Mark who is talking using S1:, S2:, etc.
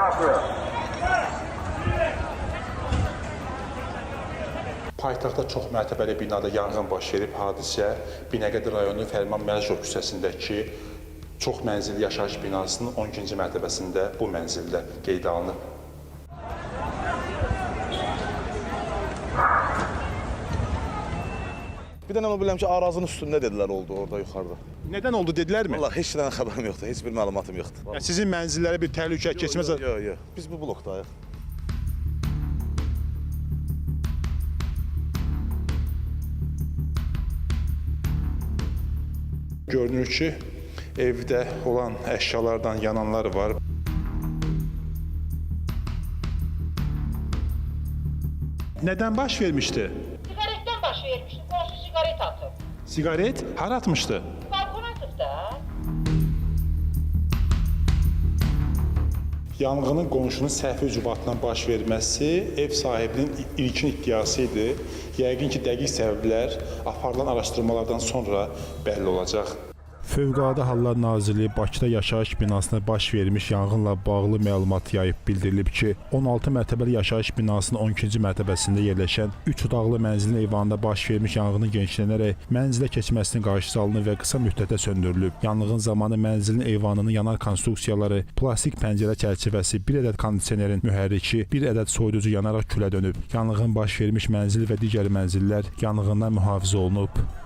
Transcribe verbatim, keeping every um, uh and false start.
S1: Paytaxtda çox mərtəbəli binada yanğın baş verib. Hadisə Binəqədi rayonu Fərman Məlikov küçəsindəki çox mənzilli yaşayış binasının on ikinci mərtəbəsində bu mənzildə qeydə alınıb.
S2: Bir dənə bilirəm ki, Arazın üstündə dedilər oldu orada yuxarıda.
S1: Nədən oldu dedilərmi?
S2: Vallahi heç nədən xəbərim yoxdur, heç bir məlumatım yoxdur.
S1: Yəni sizin mənzillərə bir təhlükə keçməz?
S2: Yox, yox, yox. Biz bu blokdayıq.
S1: Görünür ki, evdə olan əşyalardan yananlar var. Nədən baş vermişdi?
S3: Sigaretdən baş vermişdi. Qonşu sigaret atıb.
S1: Sigaret hara atmışdı?
S3: Balkona atıb da.
S1: Yanğının qonşunun səhvi ucubatından baş verməsi ev sahibinin ilkin iddiası idi. Yəqin ki, dəqiq səbəblər aparılan araşdırmalardan sonra bəlli olacaq. Fövqəladə Hallar Nazirliyi Bakıda yaşayış binasına baş vermiş yanğınla bağlı məlumat yayıb bildirilib ki, on altı mərtəbəli yaşayış binasının on ikinci mərtəbəsində yerləşən üç otaqlı mənzilin eyvanında baş vermiş yanğının genişlənərək mənzilə keçməsinin qarşısı alınıb və qısa müddətdə söndürülüb. Yanğın zamanı mənzilin eyvanının yanar konstruksiyaları, plastik pəncərə çərçivəsi, bir ədəd kondisionerin mühərriki, bir ədəd soyuducu yanaraq külə dönüb. Yanğın baş vermiş mənzil və digər mənzillər yanğından mühafizə olunub.